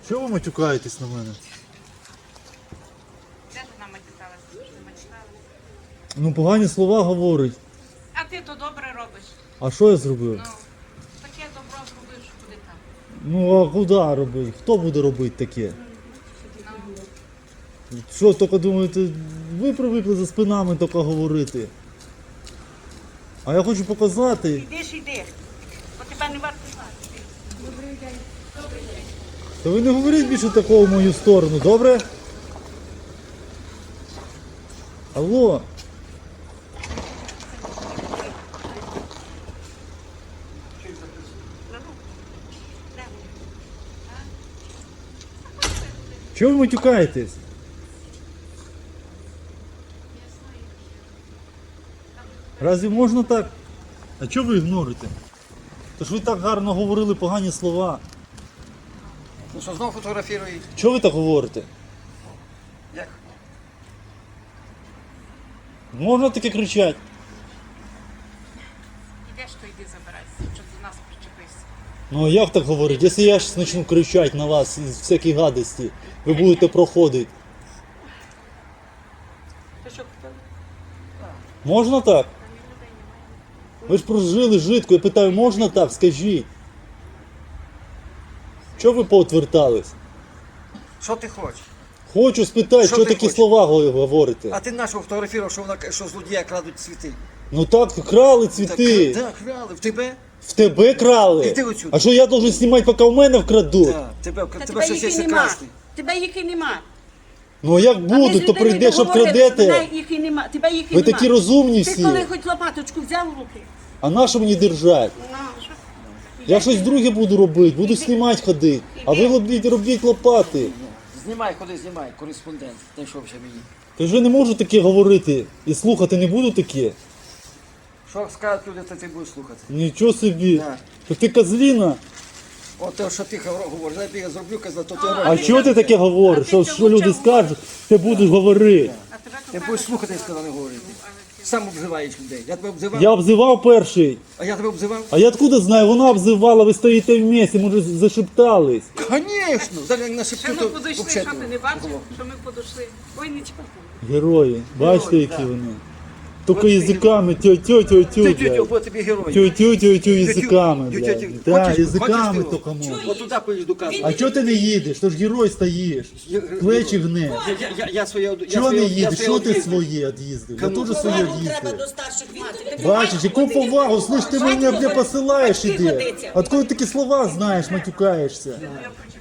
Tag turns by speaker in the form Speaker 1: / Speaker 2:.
Speaker 1: Чого ви матюкаєтесь на мене?
Speaker 2: Де ти нам матюкалася? Що не матюкалася?
Speaker 1: Ну погані слова говорить.
Speaker 2: А ти то добре робиш.
Speaker 1: А що я зробив?
Speaker 2: Ну, таке добро зробиш, куди там.
Speaker 1: Ну а куди робити? Хто буде робити таке? Що, тільки думаєте, ви привикли за спинами тільки говорити. А я хочу показати.
Speaker 2: Іди, бо тебе не варто знати. Добрий день.
Speaker 1: Та ви не говоріть більше такого в мою сторону, добре? Алло. Чого ви матюкаєтесь? Разве можна так? А чого ви ігнорите? Тож ви так гарно говорили погані слова.
Speaker 3: Ну що, знову фотографірують?
Speaker 1: Чого ви так говорите?
Speaker 3: Як?
Speaker 1: Можна таке кричати?
Speaker 2: Ідеш, то йди забирайся, щоб до нас причепився.
Speaker 1: Ну а як так говорить? Якщо я зараз почну кричати на вас із всякі гадості, ви будете проходити.
Speaker 2: Ти що купив?
Speaker 1: Можна так? Ви ж прожили житку, я питаю, можна так? Скажіть. Чого ви поотвертались?
Speaker 3: Що ти хочеш?
Speaker 1: Хочу спитати,
Speaker 3: Що
Speaker 1: що
Speaker 3: ти
Speaker 1: такі
Speaker 3: хочеш?
Speaker 1: слова говорите?
Speaker 3: А ти нашого фотографував, що злодія крадуть цвіти.
Speaker 1: Ну так, крали цвіти.
Speaker 3: Так, крали. В тебе?
Speaker 1: В тебе крали.
Speaker 3: Іди отсюди.
Speaker 1: А що я должен знімати, поки в мене вкрадуть?
Speaker 3: Так, тебе
Speaker 2: Та
Speaker 3: щось
Speaker 2: їх і
Speaker 3: є
Speaker 2: нема.
Speaker 3: красти.
Speaker 2: Тебе їх і нема.
Speaker 1: Ну а як буду, то прийдеш, обкрадете.
Speaker 2: Тебе їх і нема. Тебе їх і
Speaker 1: Ви
Speaker 2: нема.
Speaker 1: такі розумні
Speaker 2: Ти
Speaker 1: всі.
Speaker 2: коли хоч лопаточку взяв в руки?
Speaker 1: А на що мені держать?
Speaker 2: Ну, що?
Speaker 1: Я щось друге буду робити, буду знімати ходити. А ви робіть лопати.
Speaker 3: Знімай, ходи, знімай, кореспондент. Знайшовся мені.
Speaker 1: Ти вже не можу таке говорити і слухати не буду таке.
Speaker 3: Що скажуть люди, то ти будеш слухати.
Speaker 1: Нічого собі.
Speaker 3: Да.
Speaker 1: То ти козліна.
Speaker 3: От те, що ти говориш, я тобі зроблю, казав, то ти
Speaker 1: А
Speaker 3: робиш.
Speaker 1: чого ти таке говориш? Що люди скажуть, ти будеш говорити.
Speaker 2: А тебе
Speaker 3: Ти будеш слухати, я сказав, не говорити. Сам обзиваєш людей. Я тебе обзивав,
Speaker 1: Я обзивав перший.
Speaker 3: а я тебе обзивав?
Speaker 1: А я откуда знаю, вона обзивала, ви стоїте в місці, може зашептались.
Speaker 3: Звісно! Зараз на
Speaker 2: Що
Speaker 3: шепчу,
Speaker 2: ми
Speaker 3: то
Speaker 2: подійшли, що
Speaker 3: взагалі
Speaker 2: ти не бачив, що ми подійшли? Ой, нічого.
Speaker 1: Герої, бачите,
Speaker 3: Герої,
Speaker 1: які
Speaker 3: да.
Speaker 1: вони. Тільки язиками, тю-тю-тю-тю,
Speaker 3: Тю-тю-тю,
Speaker 1: блядь.
Speaker 3: бо тобі герой.
Speaker 1: Тю-тю-тю-тю язиками,
Speaker 3: Тю-тю-тю.
Speaker 1: блядь. Да,
Speaker 3: Хочеш-
Speaker 1: язиками
Speaker 3: хочеш ти
Speaker 1: тільки можна.
Speaker 3: От туди поїду казати.
Speaker 1: А чого ти не їдеш? То ж герой стоїш. Плечі гне.
Speaker 3: Я своє...
Speaker 1: Чого не їдеш? Що ти своє від'їздив? Я теж своє від'їздив. Бачиш, яку повагу, слышь, ти мене посилаєш іде. Откуда такі слова знаєш, матюкаєшся?